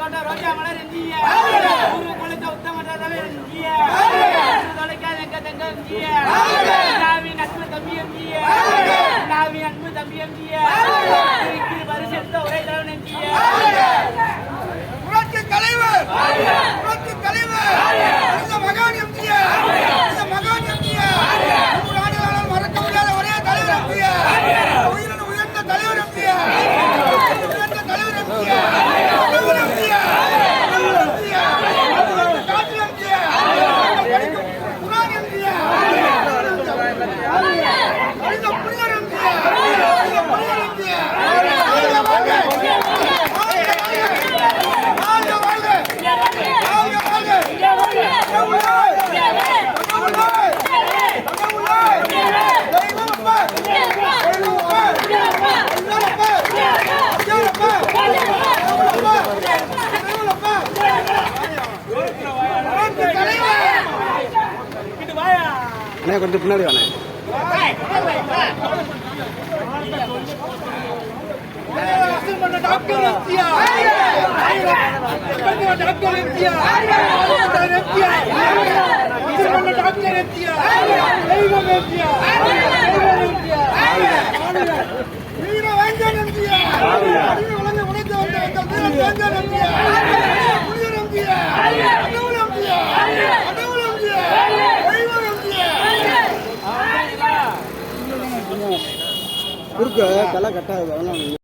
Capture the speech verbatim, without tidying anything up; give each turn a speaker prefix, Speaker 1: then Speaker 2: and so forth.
Speaker 1: தோட்ட ரோஜா மலர் எஞ்சிய ஊரு குளித்த உத்தம எஞ்சிய தொலைக்காத எங்க தங்க எஞ்சிய நாவின் அன்பு தம்பி எஞ்சிய நாவின் அன்பு தம்பி எஞ்சிய பரிசெடுத்த உரை தலைவன் எஞ்சிய
Speaker 2: புரட்சி தலைவர் புரட்சி தலைவர் இந்த மகான் எம்ஜிய இந்த மகான் எம்ஜிய நூறு ஆண்டுகளால் மறக்க முடியாத ஒரே தலைவர் எம்ஜிய உயிரின் உயர்ந்த தலைவர் எம்ஜிய உயர்ந்த தலைவர் எம்ஜிய தலைவர் எம்ஜிய காற்று எம்ஜிய குரான் எம்ஜிய இந்த புனிதர் எம்ஜிய இந்த புனிதர் எம்ஜிய
Speaker 3: கொஞ்சம் பின்னாடி வாங்க
Speaker 2: doctor MGR doctor MGR doctor MGR தெய்வம் எம்ஜிஆ வீர வேங்கன் எம்ஜிஆ வழங்க உழைத்து வந்த எங்கள் வீர வேங்கன் எம்ஜிஆ புனிதர் எம்ஜிஆ கடவுள் எம்ஜிஆ கடவுள் எம்ஜிஆ தெய்வம் எம்ஜிஆ
Speaker 3: குறுக்க தலை கட்டாது அதெல்லாம்